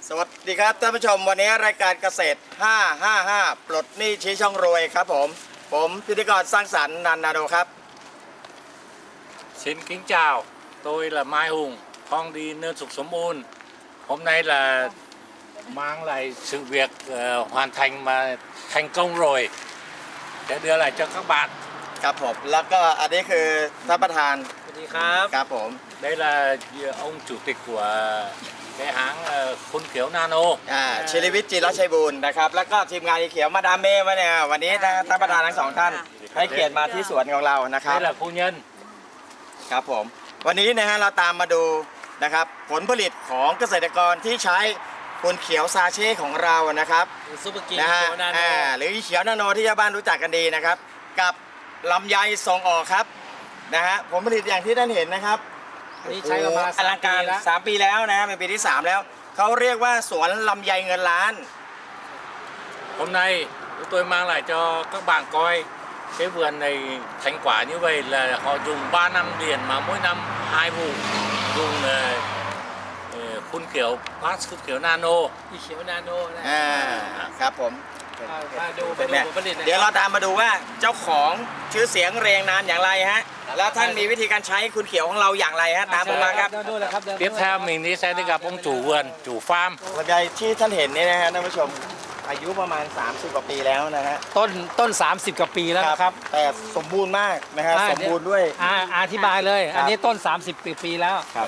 สวัสดีครับท่านผู้ชมวันนี้รายการเกษตร555ปลดหนี้ชี้ช่องรวยครับผมพิธีกรสร้างสรรค์นันนาโดครับ Xin kính chào, tôi là Mai Hùng, con đi Nơn Sục Sớm Ôn. Hôm nay là mang lại sự việc hoàn thành mà thành công rồi để đưa lại cho các bạn. ครับผมแล้วก็อันนี้คือท่านประธานสวัสดีครับครับผม Đây là ông chủ tịch của cái hãng Khôn Khiếu Nano. ชิริวิทย์จิรชัยบูรณ์นะครับแล้วก็ทีมงานอีเขียวมาดามเม่มาเนี่ยวันนี้ท่านประธานทั้งสองท่านให้เกียรติมาที่สวนของเรานะครับ Đây là phu nhân. ครับผมวันนี้นะฮะเราตามมาดูนะครับผลผลิตของเกษตรกรที่ใช้คุณเขียวซาเช่ของเรานะครับซุปเปอร์กินนะฮะเขียวนาโนหรืออีเขียวนาโนที่ชาวบ้านรู้จักกันดีนะครับกับลำไยส่งออกครับนะฮะผลผลิตอย่างที่ท่านเห็นนะครับนี่ใช้มาอลังการ3 ปีแล้วนะเป็นปีที่ 3 แล้วเขาเรียกว่าสวนลำไยเงินล้าน Hôm nay tôi mang lại cho các bạn coi cái vườn này thành quả như vậy là họ dùng 3 năm liền mà mỗi năm 2 vụ dùng Khôn Khiếu Khôn Khiếu Nano. อีเขียวนาโนนะครับผมมาดูผลผลิตนะเดี๋ยวเราตามมาดูว่าเจ้าของชื่อเสียงเรียงนามอย่างไรฮะแล้วท่านมีวิธีการใช้คุณเขียวของเราอย่างไรฮะตามผมมาครับดูเลยครับ Tiếp theo mình đi sẽ đi gặp ông chủ vườn, chủ farm. ลำไยที่ท่านเห็นนี่นะฮะท่านผู้ชมอายุประมาณ30 กว่าปีแล้วนะฮะต้น30 กว่าปีแล้วนะครับแต่สมบูรณ์มากนะฮะสมบูรณ์ด้วยอธิบายเลยครับอันนี้ต้น 30 ปีแล้วครับ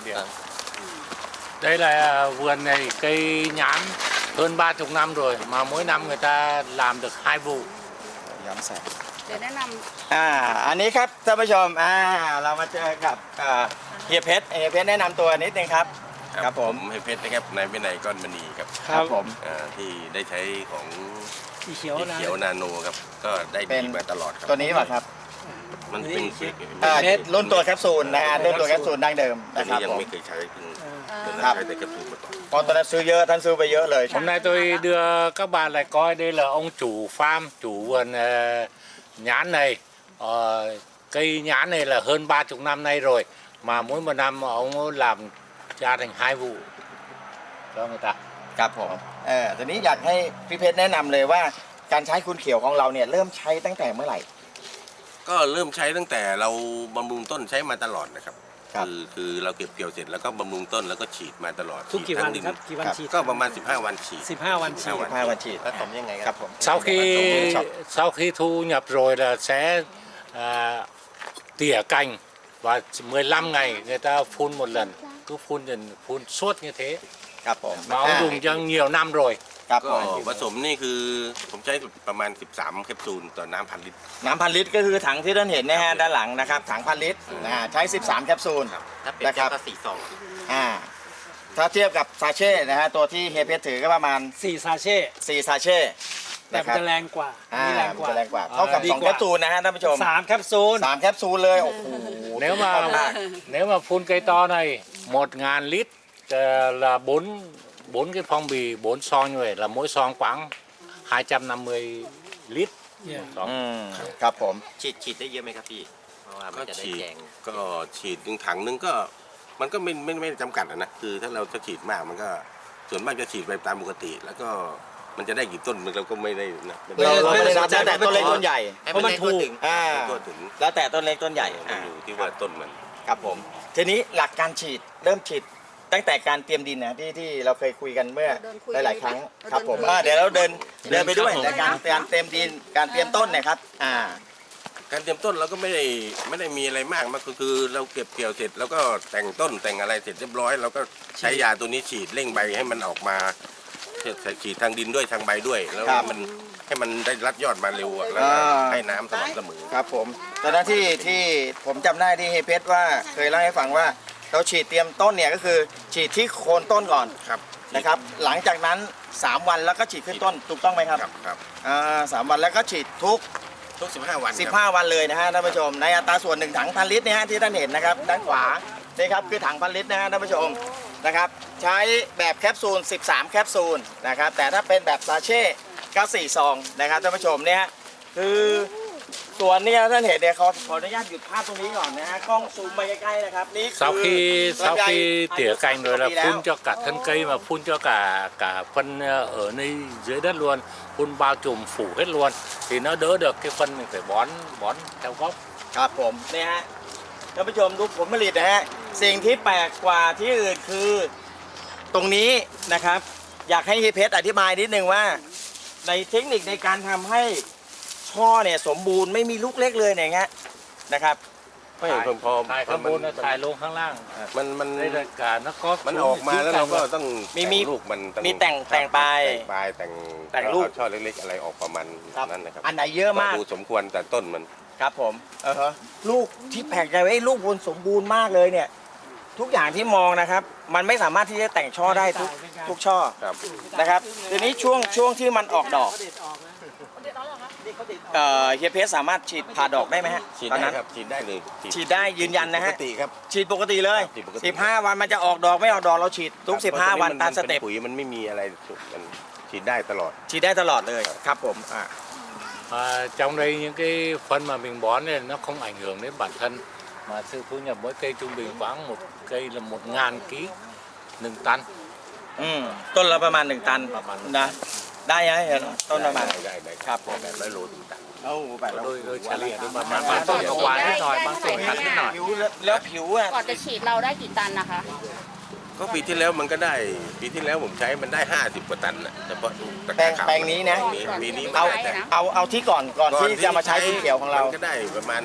Đây là vườn này cây nhãn hơn 30 năm rồi mà mỗi năm người ta làm được 2 vụ. ย้ำแสงเดี๋ยวแนะนอันนี้ครับท่านผู้ชมเรามาเจอกับเฮียเพชรแนะนำตัวนิดนึงครับครับผมให้เพชรนะครับนายวินัยก้อนมณีครับครับผมที่ได้ใช้ของอีเขียวนะเขียวนาโนครับก็ได้เป็ดีนมาตลอดครับตัวนี้ป่ะครับมันเป็นรุ่นตัวแคปซูลนะฮะรุ่นตัวแคปซูลดั้งเดิมตัวนะครันี้บยังผมไม่เคยใช้เพิ่งครับใช้แต่แคปซูลมาก่อนพอตอนนั้นซื้อเยอะท่านซื้อไปเยอะเลย Hôm nay tôi đưa các bạn lại coi đây là ông chủ farm, chủ vườn nhãn này. Cây nhãn này là hơn 30 năm nay rồi mà mỗi một năm ông làm ra thành 2 vụ cho người ta. ครับผมตอนนี้อยากให้พี่เพชรแนะนำเลยว่าการใช้คุณเขียวของเราเนี่ยเริ่มใช้ตั้งแต่เมื่อไหร่ก็เริ่มใช้ตั้งแต่เราบำรุงต้นใช้มาตลอดนะครับครับคือเราเก็บเกี่ยวเสร็จแล้วก็บำรุงต้นแล้วก็ฉีดมาตลอดทุกกี่วันฉีดครับงกี่วันฉีดก็ประมาณ15 วันฉีด 15 วันฉีด 15 วันฉีดผสมยังไงครับผม Sau khi thu nhập rồi là sẽ tỉa cành và 15 ngày người ta phun một lần, cứ phun suốt như thế. ครับผม Mà ông dùng cho nhiều năm rồi. ครับก็ผมผสมนี่คือผมใช้ประมาณ13 แคปซูลต่อน้ำ1,000 ลิตรน้ำพันลิตรก็คือถังที่ท่านเห็นนะฮะด้านหลังนะครับถังพันลิตรใช้ 13 แคปซูลถ้าเป็นนะครับก็4 ซองถ้าเทียบกับซาเช่นะฮะตัวที่เฮียเพชรถือก็ประมาณ 4 ซาเช่ 4 ซาเช่แต่มันจะแรงกว่าอันนี้แรงกว่าจะแรงกว่าเท่ากับดี 2 แคปซูลนะฮะท่านผู้ชม 3 แคปซูล 3 แคปซูลเลยโอ้โห Nếu mà phun cây to này 1.000 lít là 4 cái phong bì 4 son như vậy là mỗi son khoảng 250 lít. เนี่ย Đó. ครับผมฉีดได้เยอะไหมครับพี่เพราะว่ามันก็จะได้ฉีดแจงก็ฉีดหนึ่งถังนึงก็มันก็ไม่จำกัดอะนะคือถ้าเราจะฉีดมากมันก็ส่วนมากจะฉีดไปตามปกติ แล้วก็มันจะได้กี่ต้นเราก็ไม่ได้นะเราไม่ได้นับแล้วแต่ต้นเล็กต้นใหญ่ให้มันได้ทั่วถึงก็ถึงแล้วแต่ต้นเล็กต้นใหญ่มันอยู่ที่ว่าต้นมันครับผมทีนี้หลักการฉีดเริ่มฉีดตั้งแต่การเตรียมดินนะที่เราเคยคุยกันเมื่อหลายๆครั้งครับผมเดี๋ยวเราเดินไปด้วยในการเตรียมดินการเตรียมต้นเนะครับการเตรียมต้นเราก็ไม่ได้มีอะไรมากมันก็คือเราเก็บเกี่ยวเสร็จแล้วก็แต่งต้นแต่งอะไรเสร็จเรียบร้อยเราก็ใช้ยาตัวนี้ฉีดเร่งใบให้มันออกมาฉีดทางดินด้วยทางใบด้วย แล้วให้มันได้รัดยอดมาเร็วอะแล้วก็ให้น้ำสม่ำเสมอครับผมตอนนั้นที่ผมจำได้ที่เฮยเพชรว่าเคยเล่าให้ฟังว่าเราฉีดเตรียมต้นเนี่ยก็คือฉีดที่โคนต้นก่อนครับนะครับหลังจากนั้น3 วันแล้วก็ฉีดขึ้นต้นถูกต้องไหมครับครับ 3 วันแล้วก็ฉีดทุกทุก15 วันครับ 15 วันเลยนะฮะท่านผู้ชมในอัตราส่วน1 ถังพันลิตรเนี่ยฮะที่ท่านเห็นนะครับด้านขวานี่ครับคือถังพันลิตรนะฮะท่านผู้ชมนะครับใช้แบบแคปซูล13 แคปซูลนะครับแต่ถ้าเป็นแบบซาเช่ก็4 ซองนะครับท่านผู้ชมเนี่ยคือสวนเนี่ยท่านเห็นเนี่ยขออนุญาตหยุดภาพตรงนี้ก่อนนะฮะกล้องซูมไปใกล้ๆนะครับนี่คือ sau khi tỉa cành rồi là ปีแล้ว phun cho cả thân cây mà phun cho cả phân ở nơi dưới đất luôn, phun bao trùm phủ hết luôn thì nó đỡ được cái phân mình phải bón theo gốc. ครับผมเนี่ยฮะท่านผู้ชมดูผลผลิตนะฮะสิ่งที่แปลกกว่าที่อื่นคือตรงนี้นะครับ อยากให้เฮียเพชรอธิบายนิดนึงว่าในเทคนิคในการทำให้ช่อเนี่ยสมบูรณ์ไม่มีลูกเล็กเลยเนี่ยฮะนะครับไม่พอถ่ายข้างบนนะถ่ายลงข้างล่างมัน đây là cả nó có มันออกมาแล้วเราก็ต้องมีลูกมันองมีแต่งปลายแต่งปลายแต่งลูกเอาช่อเล็กๆอะไรออกประมาณครับนั้นนะครับอันไหนเยอะมากดูสมควรแต่ต้นมันครับผมลูกที่แปลกใจไว้ลูกบนสมบูรณ์มากเลยเนี่ย ทุกอย่างที่มองนะครับ มันไม่สามารถที่จะแต่งช่อได้ทุกช่อครับนะครับทีนี้ช่วงที่มันออกดอกเฮียเพชรสามารถฉีดผ่าดอกได้ไหมฮะฉีดตอนได้นั้นครับฉีดได้เลยฉีดได้ยืนยันนะปฮะกติครับฉีดปกติเลยฉีดปกติ 15 วันมันจะออกดอกไม่ออกดอกเราฉีดทุก 15 วันตามสเต็ปนปุ๋ยมันไม่มีอะไรมันฉีดได้ตลอดฉีดได้ตลอดเลยครับผม Trong đây những cái phân mà mình bón này nó không ảnh hưởng đến bản thân mà sự thu nhập mỗi cây trung bình khoảng một cây là 1.000 kg 1 ตันต้นละประมาณ1 ตันนะได้ไหมเห็นต้นประมาณได้ครับผมแบบ100 โลถึงตัน đôi chả lìa đôi mà bางต้นก็หวานนิดหน่อยบางต้นขัดนิดหน่อยผิวแล้วผิวอ่ะก่อนจะฉีดเราได้กี่ตันนะคะก็ปีที่แล้วมันก็ได้ปีที่แล้วผมใช้มันได้50 กว่าตันนะเฉพาะตะแปลงขาวแปลงนี้นะปีนี้เอาไม่ได้แต่เอาที่ก่อนที่จะมาใช้สีเขียวของเรานก็ได้ประมาณ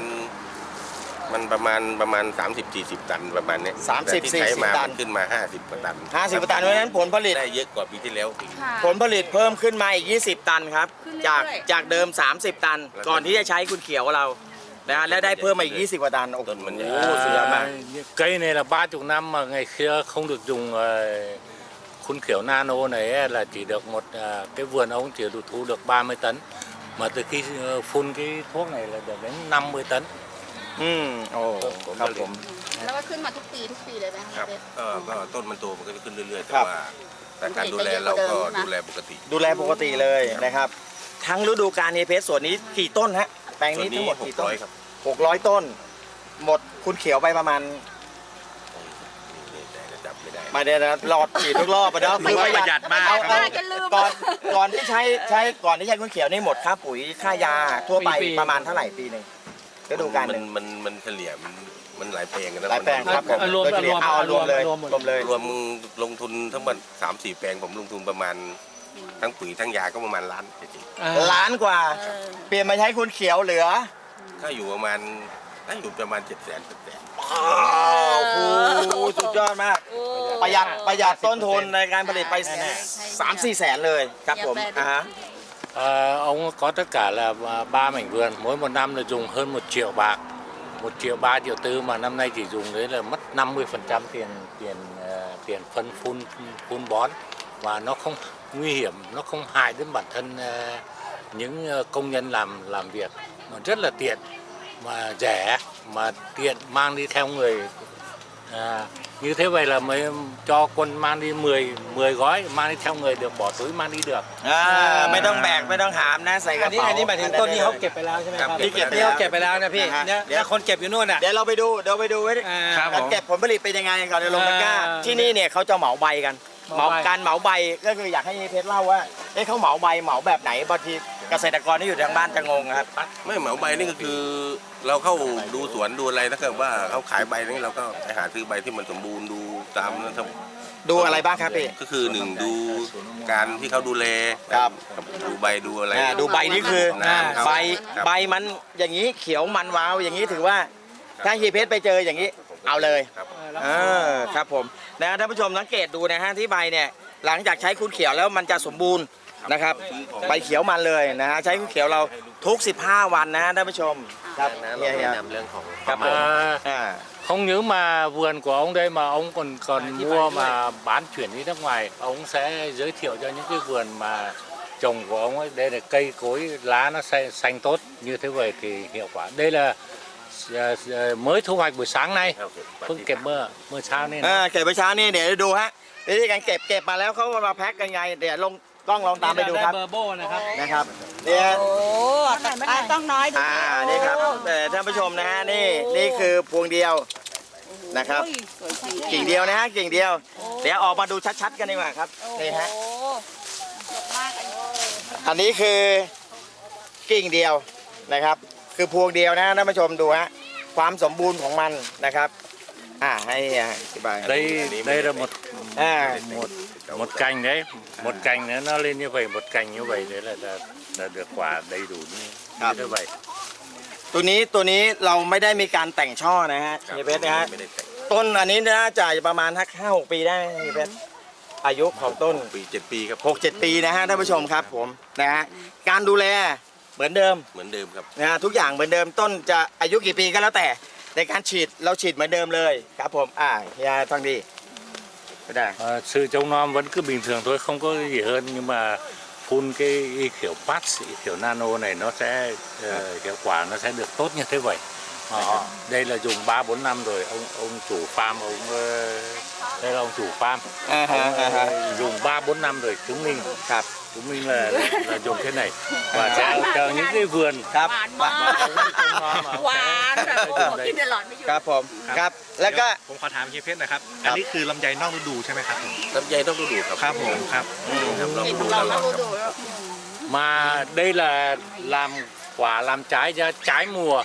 ประมาณ30-40 ตันประมาณเนี้ย 30-40 แต่ที่ใช้มาตันมันขึ้นมา50 กว่าตัน 50 ตันเพราะฉะนั้นผลผลิตได้เยอะกว่าปีที่แล้วอีกค่ะผลผลิตเพิ่มขึ้นมาอีก 20 ตันครับขึ้นเรื่อยๆจากเดิม 30 ตัน ก่อนที่จะใช้คุณเขียวเรานะฮะแล้วได้เพิ่มมาอีก 20 กว่าตัน โอ้โหต้นมันใหญ่สุดยอดมาก Cây này là 30 năm mà ngày xưa không được dùng khuôn kiểu nano này ấy, là chỉ được cái vườn ông chỉ được thu được 30 tấn mà từ khi phun cái thuốc này là được đến 50 tấn. โอ้ครับผมแล้วก็ขึ้นมาทุกปีเลยไหมครัคะบเบสก็ต้นมันโตมันก็จะขึ้นเรื่อยๆครัแต่บว่าแต่การดูแลเราก็ดูแลปกติดูแลปกติเลยนะครับ ทั้งฤดูกาลเนเพสส่วนนี้กี่ต้นฮะแปลงนี้ทั้งหมดกี่ต้น 600 ครับ 600 ต้น หมดคุณเขียวไปประมาณแต่จับไม่ได้มาเดี๋ยวนะหลอดฉีดทุกรอบไปเนาะประหยัดมากป้าจะลืมก่อนที่ใช้ก่อนที่ใช้คุณเขียวนี่หมดค่าปุ๋ยค่ายาทั่วไปประมาณเท่าไหร่ปีหนึ่งฤดูกาลหนึ่งมันเฉลี่ยมันหลายแปลงกันนะหลายแปลงครับผมรวมโดยเฉลี่ยเอารวมเลยรวมหมดรวมเลยรวมลงทุนทั้งหมด3-4 แปลงผมลงทุนประมาณทั้งปุ๋ยทั้งยาก็ประมาณล้านจริงล้านกว่าเออเปลี่ยนมาใช้คุณเขียวเหลือๆก็อยู่ประมาณ700,000 อ้าวโอ้โหสุดยอดมากโอ้ประหยัดต้นทุนในการผลิตไป 3-4 แสนเลยครับผมฮะ Ông có tất cả là 3 mảnh vườn, mỗi một năm là dùng hơn 1 triệu bạc, 1 triệu 3 triệu tư mà năm nay chỉ dùng đấy là mất 50% tiền phân phun bón và nó không nguy hiểm, nó không hại đến bản thân những công nhân làm việc, nó rất là tiện mà rẻ mà tiện mang đi theo người. Như thế vậy là mới cho quân mang đi 10 gói mang đi theo người được, bỏ túi mang đi được. ไม่ต้องแบกไม่ต้องหามนะใส่กระอันนี้เป๋าอันนี้หมายถึงต้นที่เขาเก็บไปแล้วใช่ไหมครับที่เก็บไปที่แล้วเขาเก็บไปแล้วนะพี่นะฮะเนี่ยเดี๋ยวแล้วคนเก็บอยู่นู่นอ่ะเดี๋ยวเราไปดูไว้ครับการเก็บผลผลิตเป็นยังไงก่อนจะลงตะกร้าอ่าที่นี่เนี่ยเขาจะเหมาใบกันเหมาใบการเหมาใบก็คืออยากให้เพชรเล่าว่าเขาเหมาใบเหมาแบบไหนบางทีเกษตรกรที่อยู่ทางบ้านจะงงครับไม่เหมาใบนี่ก็คือเราเข้าดูสวนดูอะไรถ้าเกิดว่าเขาขายใบนี่เราก็ไปหาซื้อใบที่มันสมบูรณ์ดูตามนั้นครับดูอะไรบ้างครับพี่ก็คือ1ดูการที่เขาดูแลครับดูใบดูอะไรดูใบนี่คือน้ำครับใบมันอย่างนี้เขียวมันวาวอย่างนี้ถือว่าถ้าเฮียเพชรไปเจออย่างนี้เอาเลยครับครับผมนะท่านผู้ชมสังเกตดูนะฮะที่ใบเนี่ยหลังจากใช้คุณเขียวแล้วมันจะสมบูรณ์นะครับใบเขียวมันเลยนะฮะใช้คุณเขียวเราทุก 15 วันนะฮะท่านผู้ชมครับนะเฮียแนะนำเรื่องของครับผม Không những mà vườn của ông đây mà ông còn mua mà bán chuyển đi nước ngoài, ông sẽ giới thiệu cho những cái vườn mà trồng của ông ấy, đây là cây cối lá nó xanh tốt như thế vậy thì hiệu quả. Đây là mới thu hoạch buổi sáng nay, พิ่งเก็บเมื่อเช้านี่นะเก็บไปเช้านี่เดี๋ยวดูฮะวิธีการเก็บมาแล้วเขามาแพ็คกันไงเดี๋ยวกล้องลองตามไปดูครับเบอร์โบนะครับนะครับเนี่ยโอ้ต้องน้อยดูนี่ครับท่านผู้ชมนะฮะนี่คือพวงเดียวนะครับสวยจริงกิ่งเดียวนะฮะกิ่งเดียว เดี๋ยวออกมาดูชัดๆกันดีกว่าครับนี่ฮะโอ้ดกมากอันนี้อันนี้คือกิ่งเดียวนะครับ คือพวงเดียวนะท่านผู้ชมดูฮะความสมบูรณ์ของมันนะครับให้อธิบาย đây là một อ่า một cành đấy, một cành nữa nó lên như vậy, một cành như vậy đấy là được quả đầy đủ như vậy. ตัวนี้เราไม่ได้มีการแต่งช่อนะฮะเฮียเพชรนะฮะไม่ได้แต่งต้นอันนี้น่าจะประมาณ5-6 ปีได้ไหมเฮียเพชรอายุของต้นปี7 ปีครับ 6-7 ปีนะฮะท่านผู้ชมครับผมนะฮะการดูแลเหมือนเดิมเหมือนเดิมครับนะฮะทุกอย่างเหมือนเดิมต้นจะอายุกี่ปีก็แล้วแต่ในการฉีดเราฉีดเหมือนเดิมเลยครับผมเฮียฟังดีไม่ได้ Sự trông nom vẫn cứ bình thường thôi, không có gì hơn, nhưng mà phun cái kiểu patch, kiểu nano này nó sẽ hiệu quả nó sẽ được tốt như thế vậy. Đây là dùng 3-4 năm rồi, ông chủ farm đây là ông chủ farm. Dùng 3-4 năm rồi chứng minh là dùng thế này và sẽ chờ những cái vườn ครับหวานมากหวานแบบโอ้โหกินตลอดไม่หยุดครับผมครับแล้วก็ผมขอถามเฮียเพชรนะครับ อันนี้คือลำไยนอกฤดูใช่ไหมครับผมลำไยต้องดูครับครับผมครับครับเรากินดูเราตลอไม่ดรู้ดูแล้ว mà đây là làm quả làm trái ra trái mùa,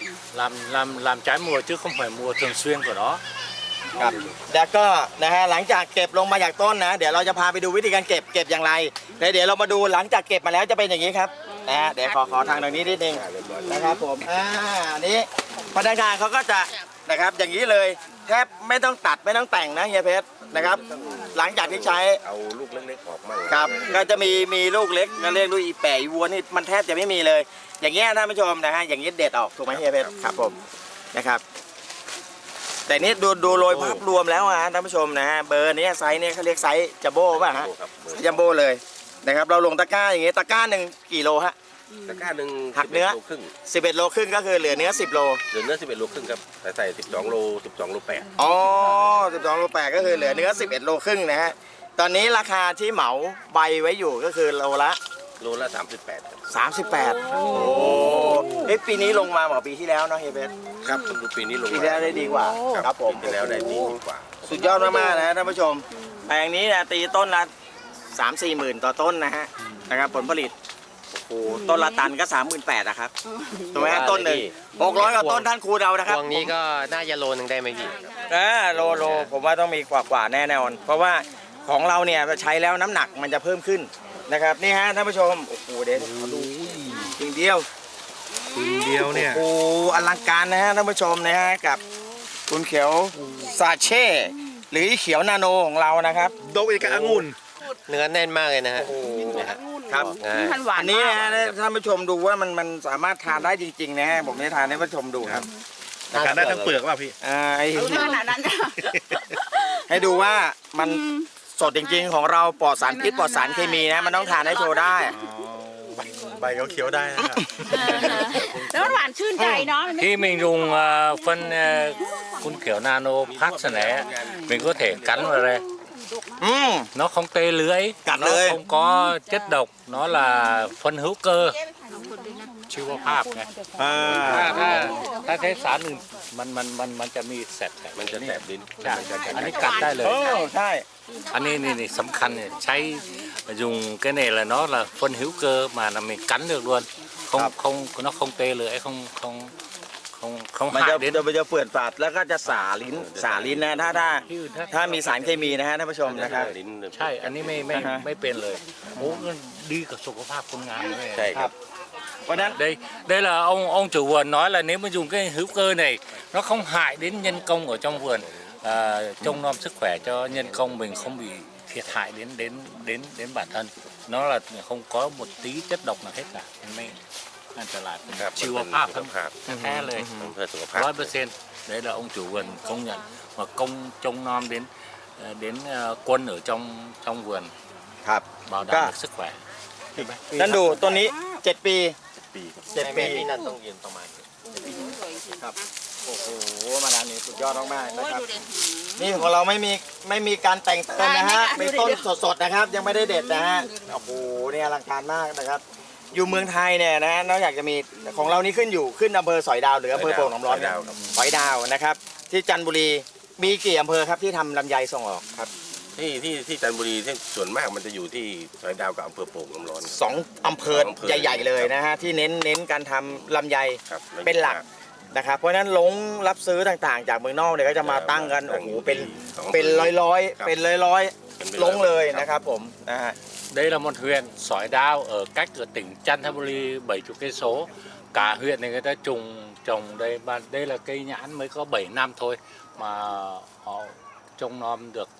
làm trái mùa chứ không phải mùa thường xuyên của nó. ครับแล้วก็นะฮะหลังจากเก็บลงมาจากต้นนะเดี๋ยวเราจะพาไปดูวิธีการเก็บอย่างไรแล้วเดี๋ยวเรามาดูหลังจากเก็บมาแล้วจะเป็นอย่างนี้ครับนะฮะเดี๋ยวขอทางตรงนี้นิดนึงนะครับผมอันนี้พนักงานเขาก็จะนะครับอย่างนี้เลยแทบไม่ต้องตัดไม่ต้องแต่งนะเฮียเพชรนะครับ หลังจากที่ใช้เอาลูกเล็กๆออกมั่งครับก็จะมีลูกเล็กก็เรียกลูกอีแปะอีวัวนี่มันแทบจะไม่มีเลย อย่างเงี้ยท่านผู้ชมนะฮะอย่างนี้เด็ดออกถูกไหมเฮียเพชรครับผมนะครับแต่นี่ดูโดยภาพรวมแล้วฮะท่านผู้ชมนะฮะเบอร์นี้ไซส์นี้เขาเรียกไซส์จัมโบ้ป่ะฮะครับจัมโบ้เลยนะครับเราลงตะกร้าอย่างงี้ตะกร้าหนึ่งกี่โลฮะตะกร้าหนึ่งหักเนื้อ 11 โลครึ่ง 11 โลครึ่งก็คือเหลือเนื้อ10 โลเหลือเนื้อ11 โลครึ่งครับแต่ใส่12 โล 12 โล 8 อ๋อ12 โล 8ก็คือเหลือเนื้อ11 โลครึ่งนะฮะตอนนี้ราคาที่เหมาใบไว้อยู่ก็คือโลละโลละ 38 ครับ 38โอ้ปีนี้ลงมาเหมือนปีที่แล้วเนาะเฮียเพชรครับดูปีนี้ลงปีมาที่แล้วได้ดีกว่าครับผมปีที่แล้วได้ดีกว่าสุดยอดมากๆนะฮะท่านผู้ชมแปลงนี้นะตีต้นละ3-4 หมื่นต่อต้นนะฮะนะครับผลผลิตโอ้โหต้นละตันก็ 38,000นะครับถูกไหมฮะต้นหนึ่ง600กว่าต้นท่านครูเดานะครับพวงนี้ก็น่าจะโลนึงได้ไหมพี่โลผมว่าต้องมีกว่าแน่นอนเพราะว่าของเราเนี่ยใช้แล้วน้ำหนักมันจะเพิ่มขึ้นนะครับนี่ฮะท่านผู้ชมโอ้โหเดี๋ยวขอดูกิ่งเดียวเดียวเนี่ยโอ้โหอลังการนะฮะท่านผู้ชมนะฮะกับคุณเขียวซาเช่หรือเขียวนาโนของเรานะครับโดกอีกกับองุ่นเนื้อแน่นมากเลยนะฮะครับมันหวานอันนี้มากนะท่านผู้ชมดูว่ามันสามารถทานได้จริงๆนะฮะผมจะทานให้ท่านผู้ชมดูครับทานได้ทั้งเปลือกป่ะพี่ขนาดนั้นให้ดูว่ามันสดจริงๆของเราปลอดสารพิษปลอดสารเคมีนะมันต้องทานให้โชว์ได้ใบเขาเขียวได้นะครับแล้วมันหวานชื่นใจเนาะ Khi mình dùng phân phun kiểu nano patch này, mình có thể cắn vào đây. อืม Nó không tê lưỡi, Cắn nó lưỡi. không có chất độc, nó là phân hữu cơ,ชีวภาพไง ถ้าใช้สารอื่นมันจะมีแสบมันจะแสบลิ้นใช่อันนี้กัดได้เลยโอ้ใช่อันนี้นี่สำคัญเนี่ยใช้dùng cái này là nó là phân hữu cơ mà là mình cắn được luôn, không nó không tê lưỡi, không มันจะ hại đến มันจะเปื่อนฝาดแล้วก็จะสาลิ้นนะถ้ามีสารเคมีนะฮะท่านผู้ชมนะครับลิ้นใช่ อันนี้ไม่เป็นเลยโอ้มันดีกับสุขภาพคนงานเลยใช่ครับเพราะฉะนั้น đây là ông chủ vườn nói là nếu mà dùng cái hữu cơ này nó không hại đến nhân công ở trong vườn, trông nom sức khỏe cho nhân công mình không bị thiệt hại đến bản thân, nó là không có một tí chất độc nào hết cả,ไม่อันตรายเป็นครับชีวภาพสุขภาพแท้เลยเพื่อสุขภาพ 100%đấy là ông chủ vườn công nhận và trông nom đến quân ở trong vườn ครับ bảo đảm được sức khỏe. นั่นดูต้นนี้7 ปีปีครับ 7 ปีพี่นันต้องยืนประมาณครับโอ้โหมาดามนี่สุดยอดมากๆนะโอ้ยครับดูดินี่ของเราไม่มีการแต่งเติมนะฮะเป็นต้นสดๆนะครับ ยังไม่ได้เด็ดนะฮะโอ้โหเนี่ยอลังการมากนะครับ อยู่เมืองไทยเนี่ยนะนอกจากจะมีของเรานี่ขึ้นอำเภอสอยดาวหรืออำเภอโป่งน้ำร้อนสอยดาวครับสอยดาวนะครับ ที่จันทบุรีมีกี่อำเภอครับที่ทำลำไยส่งออกครับที่จันทบุรีที่ส่วนมากมันจะอยู่ที่สอยดาวกับอำเภอโป่งน้ำร้อนสองอำเภอสองอำเภอใหญ่ๆเลยนะฮะที่เน้นการทำลำไยครับเป็นหลักนะครับเพราะฉะนั้นลงรับซื้อต่างๆ จากเมืองนอกเนี่ยก็จะมาตั้งกันโอ้โหเป็นร้อยๆเป็นร้อยๆลงเลยนะครับผมนะฮะ Đây là một huyện sỏi đao ở cách ở tỉnh Chanthaburi 70 cây số. Cả huyện này người ta trồng đây, đây là cây nhãn mới có 7 năm thôi mà họ trông nom được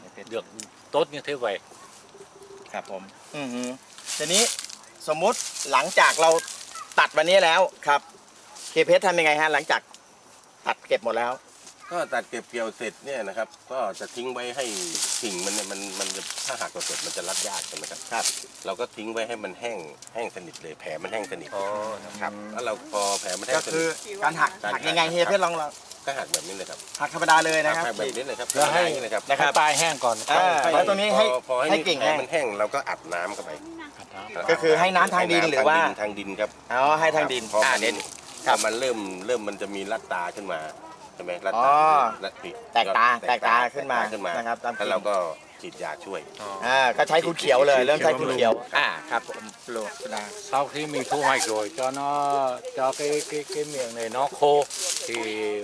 tốt như thế vậy. ครับผมทีนี้สมมุติหลังจากเราตัดวันนี้แล้วครับเคเพชรทำยังไงฮะหลังจากตัดเก็บหมดแล้วก็ตัดเก็บเกี่ยวเสร็จเนี่ยนะครับก็จะทิ้งไว้ให้กิ่งมันเนี่ยมันจะถ้าหากเราเสร็จมันจะรัดยากใช่ไหมครับครับเราก็ทิ้งไว้ให้มันแห้งสนิทเลยแผลมันแห้งสนิทครับแล้วเราพอแผลมันแห้ก็งสคืนิอทการหักยังไงเฮียเพชรลองก็หักแบบนี้เลยครับหักธรรมดาเลยนะครับหักแบบนี้เลยครับแล้วให้อย่างนี้เลยครับนะครับ Hai tai hang còn แล้วตรงนี้พอให้กิ่งแผลแห้งมันแห้งเราก็อัดน้ำเข้าไปก็คือให้น้ำทางดินหรือว่าทางดินครับอ๋อให้ทางดินพอมันเด่นพอมันเริ่มมันจะมีรัดตาขึ้นมาใช่ไหมรัดอ๋ตาอรัดปีกแตกตาขึ้นมา นะครับตามแล้วเราก็ฉีดยาช่วยก็ใช้คูเขียวเลยเริ่มใช้คูเขียวครับผมโลดา sau khi mình thu hoạch rồi cho cái miệng này nó khô thì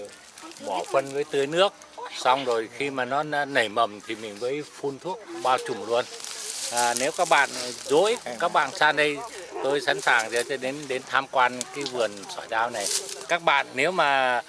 bỏ phân với tưới nước, xong rồi khi mà nó nảy mầm thì mình mới phun thuốc bao trùm luôn. Nếu các bạn dối các bạn sang đây tôi sẵn sàng để đến tham quan cái vườn sỏi đao này. Các bạn nếu mà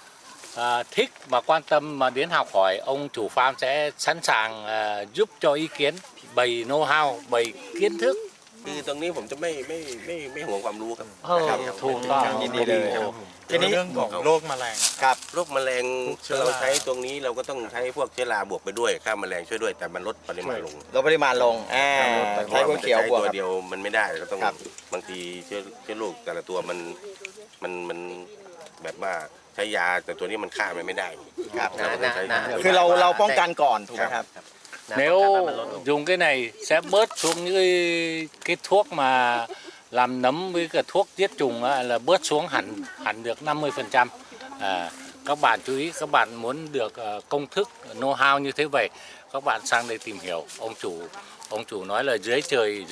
thích mà quan tâm mà đến học hỏi, ông chủ farm sẽ sẵn sàng giúp cho ý kiến, bày know-how, bày kiến thức. คือตรงนี้ผมจะไม่ห่วงความรู้ครับถูกต้องยินดีเลยทีนี้เรื่องของโรคแมลงครับโรคแมลงเชื้อราเราใช้ตรงนี้เราก็ต้องใช้พวกเชื้อราบวกไปด้วยฆ่าแมลงช่วยด้วยแต่มันลดปริมาณลงลดปริมาณลงใช้คูเขียวบวกตัวกับเดียวมันไม่ได้เราต้องครับบางทีเชื้อโรคแต่ละตัวมันแบบว่าใช้ยาแต่ตัวนี้มันฆ่ามันไม่ได้ครับเราก็ต้องใช้คือเราป้องกันก่อนถูกไหมครับ Nếu dùng cái này sẽ bớt xuống những cái thuốc mà làm nấm với cả thuốc giết trùng á, là bớt xuống hẳn được 50%. Các bạn chú ý, các bạn muốn được công thức know-how như thế vậy, các bạn sang đây tìm hiểu. Ông chủ nói là dưới trời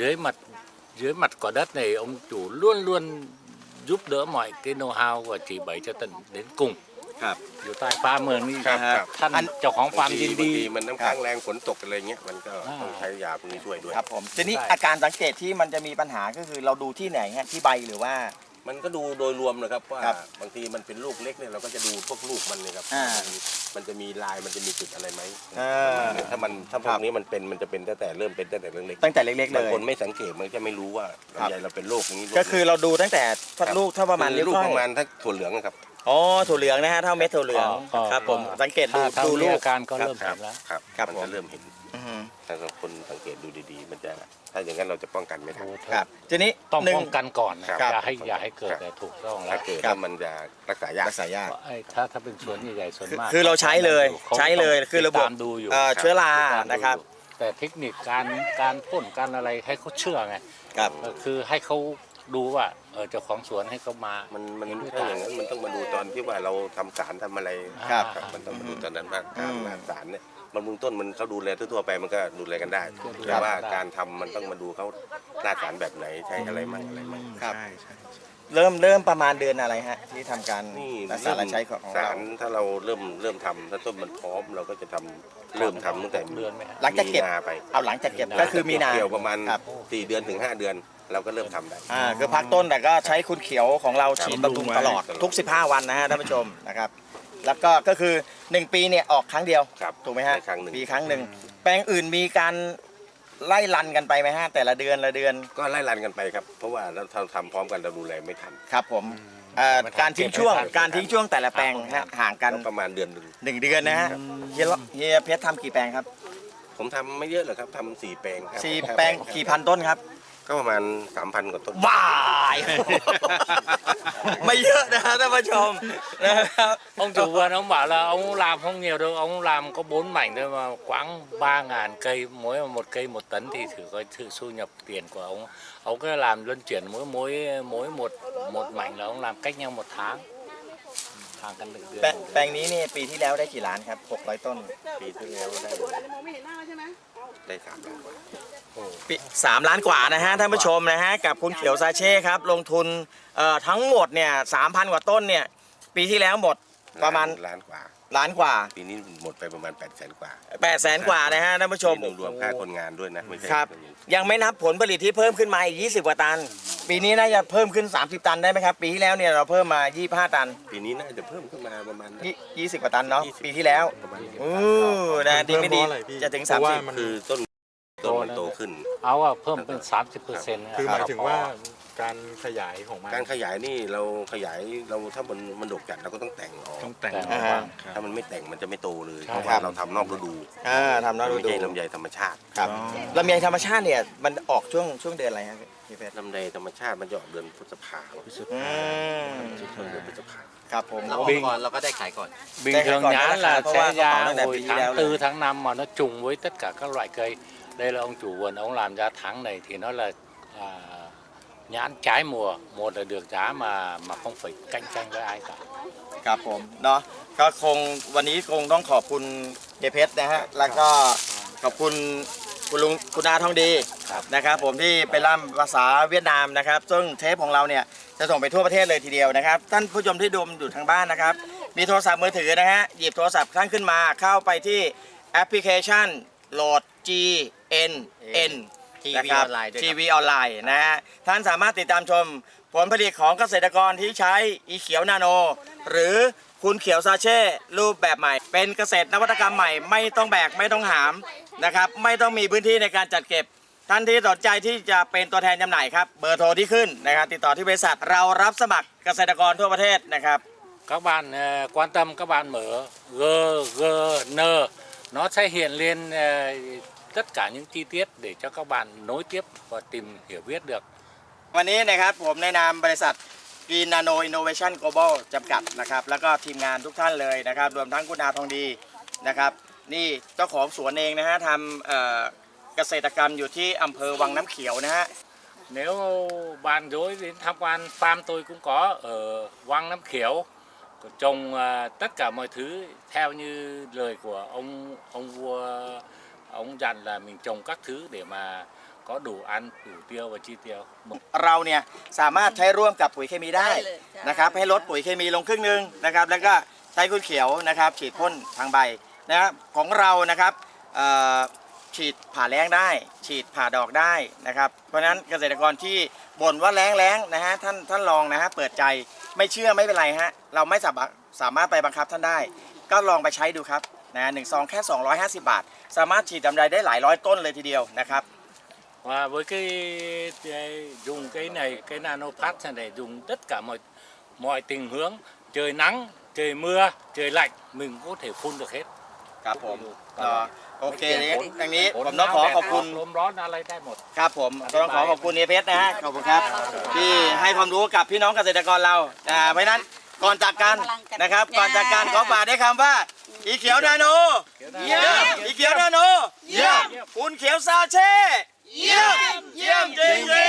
dưới mặt quả đất này ông chủ luôn luôn giúp đỡ mọi cái know-how và chỉ bày cho tận đến cùng. ครับอยู่ใต้ฟ้าเมืองนี่ครับท่านเจ้าของฟาร์มยินบางดีทีมันน้ำค้างแรงฝนตกอะไรเงี้ยมันก็ต้องใช้ยาพวกนี้ช่วยด้วยครับผมทีนี้ใช่อาการสังเกตที่มันจะมีปัญหาก็คือเราดูที่ไหนฮะที่ใบหรือว่ามันก็ดูโดยรวมนะครับว่าครับบางทีมันเป็นลูกเล็กเนี่ยเราก็จะดูพวกลูกมันเนี่ยครับ มันจะมีลายมันจะมีจุดอะไรไหมถ้าพวกนี้มันจะเป็นตั้งแต่เริ่มเป็นตั้งแต่เล็กตั้งแต่เล็กๆๆเลบางยคนไม่สังเกตมันจะไม่รู้ว่าลำไยเราเป็นโรคนี้ก็คือเราดูตั้งแต่ลูกเท่าประมาณคือนิ้วลูกก้อยประมาณถ้าถั่วเหลืองนะครับอ๋อถั่วเหลืองนะฮะเท่าเม็ดถั่วเหลืองอ๋อครับผมสังเกตดูถ้าดูมีลูกอาการก็เริ่มครัเห็นแล้วครับครับมันผมจะเริ่มเห็นอือฮึถ้าคนสังเกตดูดีๆ มันจะถ้าอย่างนั้นเราจะป้องกันไม่ทันครับทีนี้ต้องหนึ่งป้องกันก่อนนะครับ อย่าให้เกิดครับแต่ถูกต้องแล้ถ้าว เกิดครับถ้ามันจะรักษายากรักษายากไอ้ถ้าเป็นสวนใหญ่ๆส่วนมากคือเราใช้เลยขาใช้เลยคือระบบติดตามดูอยู่เชื้อราติดตมดูนะครับอยู่แต่เทคนิคการพ่นการอะไรให้เขาเชื่อไงครับคือให้เขาดูว่าเจ้าของสวนให้เขามามันเห็นด้วยถ้าตาอย่างนั้นมันต้องมาดูตอนที่ว่าเราทำสารทำอะไรครับมันต้องมาดูตอนนั้นว่าอืมการสารเนี่ยบำรุงต้นมันเขาดูแลทั่วๆไปมันก็ดูแลกันได้แต่ว่าการทำมันต้องมาดูเขาหน้าสารแบบไหนใช้อะไรมั่งอะไรมั่งครับใช่ใช่เริ่มประมาณเดือนอะไรฮะที่ทำการนี่รักษาและใช้ของสาเรารถ้าเราเริ่มทำถ้าต้นมันพร้อมเราก็จะเริ่มทำตั้งแต่เดือนไหมฮะหลังจากเก็บมีนาไปเอาหลังจากเก็บก็คือมีนาเกี่ยวประมาณครับ 4 เดือนถึง 5 เดือน เราก็เริ่มทำได้คือพักต้นแต่ก็ใช้คุณเขียวของเราฉีดครับบำรุงตลอดตลอดทุก 15 วันนะฮะท่านผู้ชมนะครับ แล้วก็คือ 1 ปีเนี่ยออกครั้งเดียวครับถูกไหมฮะในครั้งหนึ่งปีครั้งหนึ่งแปลงอื่นมีการไล่รันกันไปไหมฮะแต่ละเดือนละเดือนก็ไล่รันกันไปครับ เพราะว่าเราทำพร้อมกันเราดูแลไม่ทันครับผมการทิ้งช่วงแต่ละแปลงฮะห่างกันก็ประมาณเดือนหนึ่ง 1 เดือนนะฮะเฮียเพชรทำกี่แปลงครับผมทำไม่เยอะหรอกครับทำ4 แปลงครับสี่แปลงกี่พันต้นครับก็ประมาณ 3,000 กว่าต้นว้าย ไม่เยอะนะท่านผู้ชมนะครับ Ông chủ vườn ông bảo là ông làm không nhiều đâu, ông làm có 4 mảnh thôi mà khoảng 3.000 cây, mỗi một cây 1 tấn thì thử coi thử thu nhập tiền của ông. Ông cứ làm luân chuyển mỗi một mảnh là ông làm cách nhau 1 tháng. Hàng căn được แปลงนี้นี่ปีที่แล้วได้กี่ล้านครับ600 ต้นปีที่แล้วได้3 ล้านกว่าปี3 ล้านกว่านะฮะท่านผู้ชมนะฮะกับคุณเขียวซาเช่ครับลงทุนทั้งหมดเนี่ย 3,000 กว่าต้นเนี่ยปีที่แล้วหมดประมาณล้านกว่าล้านกว่าปีนี้หมดไปประมาณ 800,000 กว่า 800,000 กว่านะฮะท่านผู้ชมรวมค่าคนงานด้วยนะไม่ใช่ครับยังไม่นับผลผลิตที่เพิ่มขึ้นมาอีก20 กว่าตัน ปีนี้น่าจะเพิ่มขึ้น30 ตันได้ไหมครับปีที่แล้วเนี่ยเราเพิ่มมา25 ตันปีนี้น่าจะเพิ่มขึ้นมาประมาณ 20 กว่าตันเนาะปีที่แล้วประมาณนี้นะดีไม่ดีจะถึง 30 คือต้นมันโตขึ้น Áo à, phơm bên 30%. คือหมายถึงว่าการขยายของมันการขยายนี่เราขยายเราถ้ามันดกจัดเราก็ต้องแต่งออกต้องแต่งอ่าฮะถ้ามันไม่แต่งมันจะไม่โตเลยใช่เพราะว่าเราทำนอกฤดูทำนอกฤไม่ดูใช่ลำไยธรรมชาติครับลำไยธรรมชาติเนี่ยมันออกช่วงเดือนอะไรครับพี่เพชรลำไยธรรมชาติมันจะออกเดือนพฤษภาคม ช่วงเดือนพฤษภาครับผมเราออกก่อนเราก็ได้ขายก่อน Bình Đây thường còn nhãn nó là khá, sẽ có ra bảo là hồi vì tháng leo 4, lên. tháng 5 mà nó trùng với tất cả các loại cây. Đây là ông chủ vườn, ông làm ra tháng này thì nó là nhãn trái mùa. Một là được giá mà không phải cạnh tranh với ai cả. ครับผมเนาะก็คงวันนี้คงต้องขอบคุณเฮียเพชรนะฮะแล้วก็ขอบคุณคุณลุงคุณอาทองดีนะครับผมที่ไปร่ำภาษาเวียดนามนะครับซึ่งเทปของเราเนี่ยจะส่งไปทั่วประเทศเลยทีเดียวนะครับท่านผู้ชมที่ดูอยู่ทางบ้านนะครับมีโทรศัพท์มือถือนะฮะหยิบโทรศัพท์ท่านขึ้นมาเข้าไปที่แอปพลิเคชันโหลด GNN นะครับออนไลน์ด้วยครับทีวีออนไลน์นะฮะท่านสามารถติดตามชมผลผลิตของเกษตรกรที่ใช้อีเขียวนาโน หรือคุณเขียวซาเช่รูปแบบใหม่ เป็นเกษตรนวัตกรรมใหม่ไม่ต้องแบกไม่ต้องหามนะครับไม่ต้องมีพื้นที่ในการจัดเก็บ ท่านที่สนใจที่จะเป็นตัวแทนจำหน่ายครับเบอร์โทรที่ขึ้นนะครับติดต่อที่บริษัทเรารับสมัครเกษตรกรทั่วประเทศนะครับ Các bạn quan tâm, các bạn mở GGN, nó sẽ hiện lên tất cả những chi tiết để cho các bạn nối tiếp và tìm hiểu biết được. วันนี้นะครับผมในนามบริษัท Green Nano Innovation Global จำกัดนะครับแล้วก็ทีมงานทุกท่านเลยนะครับรวมทั้งคุณอาทองดีนะครับนี่เจ้าของสวนเองนะฮะทำเกษตรกรรมอยู่ที่อำเภอวังน้ำเขียวนะฮะ Nếu bạn dối đến tham quan farm tôi cũng có ở Vang Nam Khiếu, trồng tất cả mọi thứ theo như lời của ông vua, ông dặn là mình trồng các thứ để mà có đủ ăn, đủ tiêu và chi tiêu. เราเนี่ยสามารถใช้ร่วมกับปุ๋ยเคมีได้ได้เลยใช่นะครับให้ลดปุ๋ยเคมีลงครึ่งหนึงนะครับแล้วก็ใช้คุณเขียวนะครับฉีดพ่นทางใบนะครับของเรานะครับฉีดผ่าแล้งได้ ฉีดผ่าดอกได้นะครับเพราะฉะนั้นเกษตรกรที่บ่นว่าแล้งนะฮะท่านลองนะฮะเปิดใจไม่เชื่อไม่เป็นไรฮะเราไม่สามารถไปบังคับท่านได้ ก็ลองไปใช้ดูครับนะ1 ซองแค่250 บาท สามารถฉีดลำไยได้หลายร้อยต้นเลยทีเดียวนะครับ Và với dùng cái này, cái nanopat này dùng tất cả mọi tình huống, trời nắng, trời mưa, trời lạnh mình có thể phun được hết. ครับผมโอเคอย่างนี้ผมต้องขอขอบคุณลมร้อนอะไรได้หมดครับผมต้องขอขอบคุณเอเพชรนะฮะขอบคุณครับที่ให้ความรู้กับพี่น้องเกษตรกรเราเพราะฉะนั้นก่อนจากกันนะครับก่อนจากกันขอฝากได้คำว่าอีเขียวนาโนเยี่ยมอีเขียวนาโนเยี่ยมคุณเขียวซาเช่เยี่ยมจริง